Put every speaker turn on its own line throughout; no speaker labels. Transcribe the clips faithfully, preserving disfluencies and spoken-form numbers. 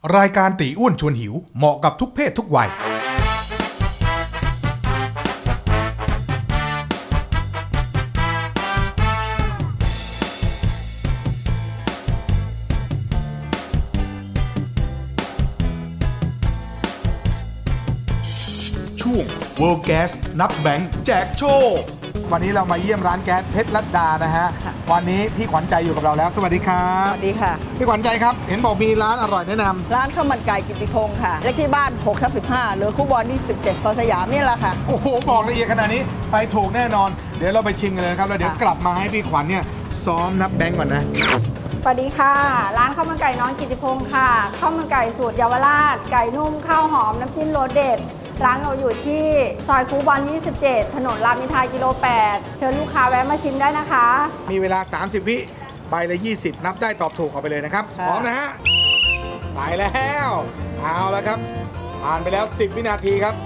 รายการตีอ้วนชวนหิวเหมาะกับทุกเพศทุกวัยช่วง World Gas นับแบงค์แจกโชควันนี้เรามาเยี่ยมร้านแก๊สเพชรลัดดานะฮะวันนี้พี่ขวัญใจอยู่กับเราแล้วสวัสดีครับ
สวัสดีค่ะ
พี่ขวัญใจครับเห็นบอกมีร้านอร่อยแนะนำ
ร้านข้าวมันไก่กิตติพงศ์ค่ะเลขที่บ้านหกทับสิบห้าหรือคู่บอลที่สิบเจ็ดซอยสยามนี่แหละค่ะ
โอ้โหบอกละเอียดขนาดนี้ไปถูกแน่นอนเดี๋ยวเราไปชิมกันเลยครับแล้วเดี๋ยวกลับมาให้พี่ขวัญเนี่ยซ้อมนับแบงค์ก่อนนะ
สวัสดีค่ะร้านข้าวมันไก่น้องกิตติพงศ์ค่ะข้าวมันไก่สูตรเยาวราชไก่นุ่มข้าวหอมน้ำจิ้มรสเด็ดร้านเราอยู่ที่ซอยคูบอลยี่สิบเจ็ดถนนรามอินทรากิโลแปดเชิญลูกค้าแวะมาชิมได้นะคะ
มีเวลาสามสิบวิใบละยี่สิบนับได้ตอบถูกเอาไปเลยนะครับพร้อมนะฮะไปแล้วเอาแล้วครับผ่านไปแล้วสิบวินาทีครับ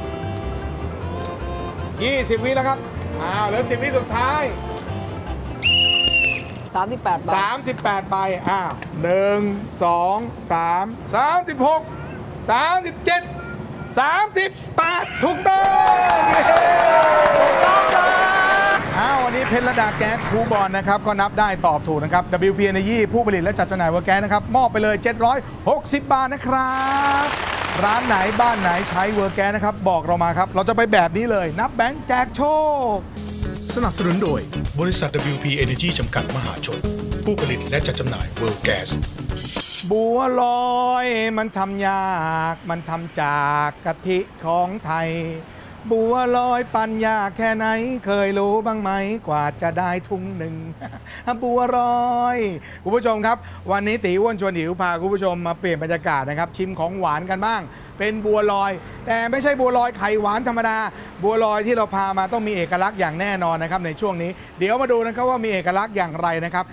ยี่สิบวิแล้วครับเอาเหลือสิบวิสุดท้าย
สามสิบแปดใบ
สามสิบแปดใบอ้าวหนึ่งสองสามสามสิบหกสามสิบเจ็ดสามสิบแปดถูกต้องถูกต้องเลยอ้าววันนี้เพชรระดาแก๊สคูบอลนะครับก็นับได้ตอบถูกนะครับ ดับเบิลยู พี Energy ผู้ผลิตและจัดจำหน่ายเวอร์แก๊สนะครับมอบไปเลยเจ็ดร้อยหกสิบบาทนะครับร้านไหนบ้านไหนใช้เวอร์แก๊สนะครับบอกเรามาครับเราจะไปแบบนี้เลยนับแบงค์แจกโชคสนับสนุนโดยบริษัท ดับเบิลยู พี Energy จำกัดมหาชนผู้ผลิตและจัดจำหน่าย World Gas บัวลอยมันทำยากมันทำจากกะทิของไทยบัวลอยปั่นยากแค่ไหนเคยรู้บ้างไหมกว่าจะได้ทุ่งหนึ่ง บัวลอยคุณผู้ชมครับวันนี้ตีอ้วนชวนหิวพาคุณผู้ชมมาเปลี่ยนบรรยากาศนะครับชิมของหวานกันบ้างเป็นบัวลอยแต่ไม่ใช่บัวลอยไข่หวานธรรมดาบัวลอยที่เราพามาต้องมีเอกลักษณ์อย่างแน่นอนนะครับในช่วงนี้เดี๋ยวมาดูนะครับว่ามีเอกลักษณ์อย่างไรนะครับ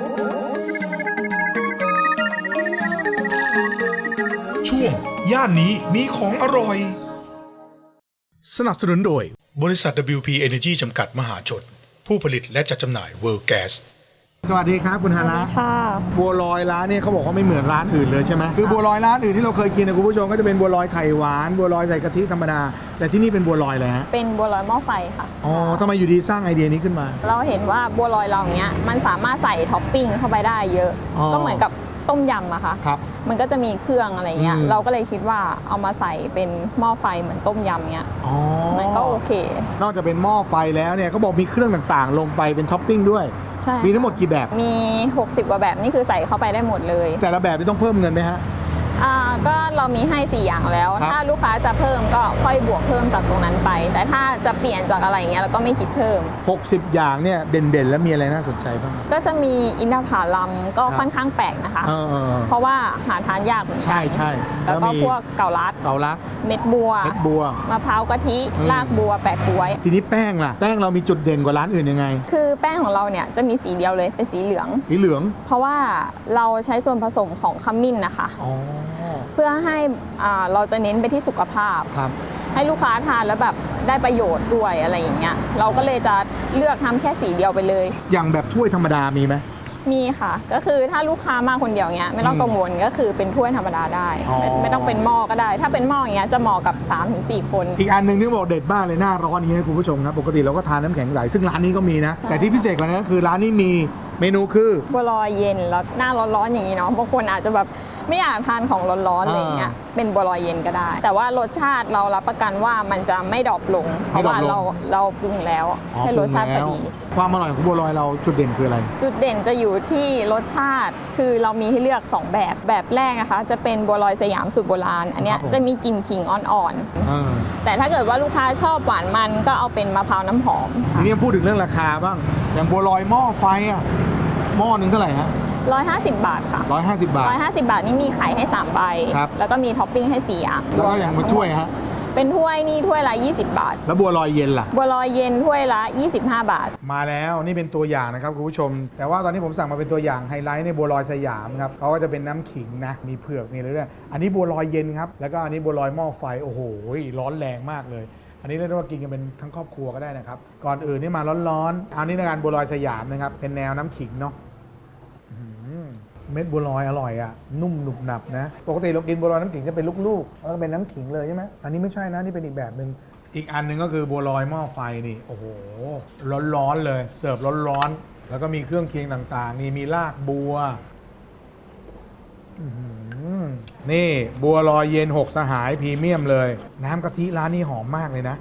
ช่วงย่านนี้มีของอร่อยสนับสนุนโดยบริษัท ดับเบิลยู พี Energy จำกัดมหาชนผู้ผลิตและจัดจำหน่าย World Gas สวัสดีครับคุณฮานะ
ค่ะ
บัวลอยร้านนี้เขาบอกว่าไม่เหมือนร้านอื่นเลยใช่ไหมคือบัวลอยร้านอื่นที่เราเคยกินนะคุณผู้ชมก็จะเป็นบัวลอยไข่หวานบัวลอยใส่กะทิธรรมดาแต่ที่นี่เป็นบัวลอยเลยฮะ
เป็นบัวลอยหม้อไฟค่ะ
อ๋อทำไมอยู่ดีสร้างไอเดียนี้ขึ้นมา
เราเห็นว่าบัวลอยเราเนี้ยมันสามารถใส่ท็อปปิ้งเข้าไปได้เยอะก็เหมือนกับต้มยำอะค่ะ
ครับ
มันก็จะมีเครื่องอะไรเงี้ยเราก็เลยคิดว่าเอามาใส่เป็นหม้อไฟเหมือนต้มยำเงี้ยมันก็โอเคน
อกจากเป็นหม้อไฟแล้วเนี่ยเขาบอกมีเครื่องต่างๆลงไปเป็นท็อปปิ้งด้วย
ใช่
มีทั้งหมดกี่แบบ
มีหกสิบกว่าแบบนี่คือใส่เข้าไปได้หมดเลย
แต่ละแบบนี่ต้องเพิ่มเงินไหมฮะ
อ่าก็เรามีให้สี่อย่างแล้วถ้าลูกค้าจะเพิ่มก็ค่อยบวกเพิ่มจากตรงนั้นไปแต่ถ้าจะเปลี่ยนจากอะไรเงี้ยเราก็ไม่คิดเพิ่ม
หกสิบอย่างเนี่ยเด่นๆแล้วมีอะไรน่าสนใจบ้าง
ก็จะมีอินทผลัมก็ค่อนข้างแปลกนะคะเพราะว่าหาทานยากเหมือนกัน
ใช่ใช่
แล้วก็พวกเกาลัด
เกาลัด
เม็ดบัว
เม็ดบัว
มะพร้าวกะทิรากบัวแปะกล้วย
ทีนี้แป้งล่ะแป้งเรามีจุดเด่นกว่าร้านอื่นยังไง
คือแป้งของเราเนี่ยจะมีสีเดียวเลยเป็นสีเหลือง
สีเหลือง
เพราะว่าเราใช้ส่วนผสมของขมิ้นนะคะเพื่อให้เราจะเน้นไปที่สุขภาพให้ลูกค้าทานแล้วแบบได้ประโยชน์ด้วยอะไรอย่างเงี้ยเราก็เลยจะเลือกทำแค่สีเดียวไปเลย
อย่างแบบถ้วยธรรมดามีไหม
มีค่ะก็คือถ้าลูกค้ามาคนเดียวเงี้ยไม่ต้องกังวลก็คือเป็นถ้วยธรรมดาได้ไม่ไม่ต้องเป็นหม้อก็ได้ถ้าเป็นหม้ออย่างเงี้ยจะเหมาะกับ สามถึงสี่ คน
อีกอันหนึ่งที่บอกเด็ดมากเลยหน้าร้อนอย่างเงี้ยคุณผู้ชมครับปกติเราก็ทานน้ำแข็งใสซึ่งร้านนี้ก็มีนะแต่ที่พิเศษกว่านั้นก็คือร้านนี้มีเมนูคือ
บัวลอยเย็นแล้วหน้าร้อนๆอย่างนี้เนาะบางคนอาจจะแบบไม่อยากทานของร้อนๆอะไรเงี้ยเป็นบัวลอยเย็นก็ได้แต่ว่ารสชาติเรารับประกันว่ามันจะไม่ดรอปลงเพราะว่าเราเราปรุงแล้วให้รสชาติพอดี
ความอร่อยของบัวลอยเราจุดเด่นคืออะไร
จุดเด่นจะอยู่ที่รสชาติคือเรามีให้เลือกสองแบบแบบแรกนะคะจะเป็นบัวลอยสยามสูตรโบราณอันเนี้ยจะมีกลิ่นขิงอ่อนๆแต่ถ้าเกิดว่าลูกค้าชอบหวานมันก็เอาเป็นมะพร้าวน้ำหอม
ทีนี้พูดถึงเรื่องราคาบ้างอย่างบัวลอยหม้อไฟอ่ะหม้อนึงเท่าไหร่ฮะ
ร้อยห้าสิบบาทค่ะ
ร้อยห้าสิบบาท
ร้อยห้าสิบบาทนี่มีไข่ให้สามใบแล้วก็มีท็อปปิ้งให้สี่อย่าง
แล้วก็อย่างเป็นถ้วยฮะ
เป็นถ้วยนี่ถ้วยละยี่สิบบาท
แล้วบัวลอยเย็นล่ะ
บัวลอยเย็นถ้วยละยี่สิบห้าบาท
มาแล้วนี่เป็นตัวอย่างนะครับคุณผู้ชมแต่ว่าตอนนี้ผมสั่งมาเป็นตัวอย่างไฮไลท์ในบัวลอยสยามครับเขาก็จะเป็นน้ำขิงนะมีเผือกมีอะไรด้วยอันนี้บัวลอยเย็นครับแล้วก็อันนี้บัวลอยหม้อไฟโอ้โหร้อนแรงมากเลยอันนี้เรียกว่ากินกันเป็นทั้งครอบครัวก็ได้นะครับก่อนอื่นนี่มาร้อนๆอันนี้ในการบัวลอยสยามนะครับเป็นแนวน้ำขิงเนาะเม็ดบัวลอยอร่อยอ่ะนุ่มหนุบหนับนะปกติเรากินบัวลอยน้ำขิงจะเป็นลูกๆแล้วก็เป็นน้ำขิงเลยใช่ไหมอันนี้ไม่ใช่นะนี่เป็นอีกแบบหนึ่งอีกอันหนึ่งก็คือบัวลอยหม้อไฟนี่โอ้โหร้อนๆเลยเสิร์ฟร้อนๆแล้วก็มีเครื่องเคียงต่างๆนี่มีรากบัวนี่บัวลอยเย็นหกสหายพรีเมียมเลยน้ำกะทิร้านนี้หอมมากเลยนะ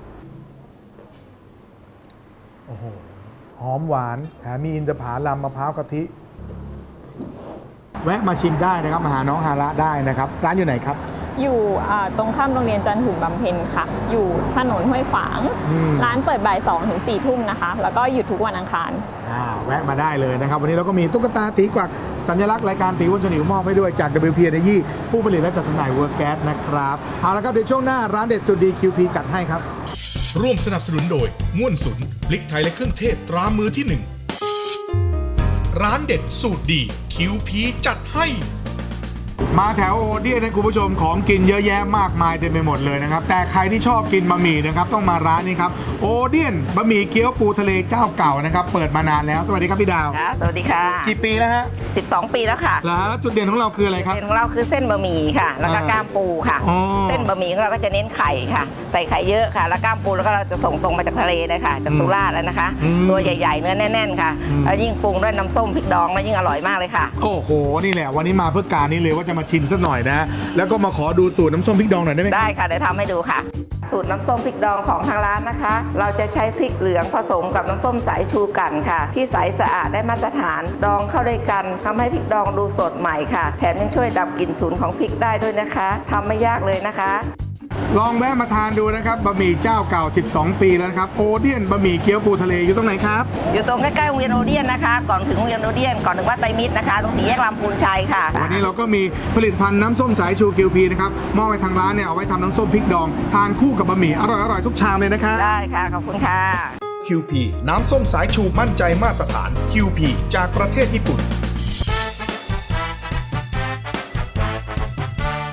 โอ้โหหอมหวานแถมมีอินทผลัมมะพร้าวกะทิแวะมาชิมได้นะครับมาหาน้องฮาระได้นะครับร้านอยู่ไหนครับ
อยู่อ่าตรงข้ามโรงเรียนจันหุนบำเพ็ญค่ะอยู่ถนนห้วยขวางร้านเปิดบ่ายสองถึงสี่ทุ่มนะคะแล้วก็หยุดทุกวันอังคาร
อ่าแวะมาได้เลยนะครับวันนี้เราก็มีตุ๊กตาตีกวักสัญลักษณ์รายการตีอ้วนชวนหิวมอบให้ด้วยจาก ดับเบิลยู พี Energy ผู้ผลิตและจัดจำหน่ายเวิร์กแก๊สนะครับเอาละครับเดี๋ยวช่วงหน้าร้านเด็ดสุดดี คิว พี จัดให้ครับ
ร่วมสนับสนุนโดยม่วนสุนพริกไทยและเครื่องเทศตรามือที่หนึ่งร้านเด็ดสูตรดี คิว พี จัดให้
มาแถวโอเดียนนะคุณผู้ชมของกินเยอะแยะมากมายเต็มไปหมดเลยนะครับแต่ใครที่ชอบกินบะหมี่นะครับต้องมาร้านนี้ครับโอเดียนบะหมี่เกี๊ยวปูทะเลเจ้าเก่านะครับเปิดมานานแล้วสวัสดีครับพี่ดาว
ค่ะสวัสดีค่ะ
กี่ปีแล้วฮะ
สิบสองปีแล้วค่ะ
แล้วจุดเด่นของเราคืออะไรครับ
จุดเด่นของเราคือเส้นบะหมี่ค่ะแล้วก็กล้ามปูค่ะเส้นบะหมี่ของเราก็จะเน้นไข่ค่ะใส่ไข่เยอะค่ะแล้วกล้ามปูแล้วก็เราจะส่งตรงมาจากทะเลเลยค่ะจากสุราษฎร์แล้วนะคะตัวใหญ่ๆเนื้อแน่นๆค่ะแล้วยิ่งปรุงด้วยน้ำส้มพริกดองแล้วยิ่งอร่อยมากเลยค่ะ
โอ้โหนี่แหละวันนี้มาเพื่อการนี้เลยว่าจะมาชิมสักหน่อยนะแล้วก็มาขอดูสูตรน้ำส้มพริกดองหน่อยได้ไหม
ได้ค่ะเดี๋ยวทำให้ดูค่ะสูตรน้ำส้มพริกดองของทางร้านนะคะเราจะใช้พริกเหลืองผสมกับน้ำส้มสายชูกันค่ะที่ใสสะอาดได้มาตรฐานดองเข้าด้วยกันทำให้พริกดองดูสดใหม่ค่ะแถมยังช่วยดับกลิ่นฉุนของพริกได้ด้วยนะคะทำไม่ยากเลยนะคะ
ลองแวะมาทานดูนะครับบะหมี่เจ้าเก่าสิบสองปีแล้วนะครับโอเดียนบะหมี่เกี๊ยวปูทะเลอยู่ตรงไหนครับ
อยู่ตรงใกล้ๆโรงเรียนโอเดียนนะคะก่อนถึงโรงเรียนโอเดียนก่อนถึงวัดไตรมิตรนะคะตรงสี่แยกลำพูนชัยค่ะ
วันนี้เราก็มีผลิตภัณฑ์น้ำส้มสายชู คิว พี นะครับมอบไปทางร้านเนี่ยเอาไว้ทำน้ำส้มพริกดองทานคู่กับบะหมี่อร่อยๆทุกชามเลยนะคะ
ได้ค่ะขอบคุณค่ะ
คิว พี น้ำส้มสายชูมั่นใจมาตรฐาน คิว พี จากประเทศญี่ปุ่น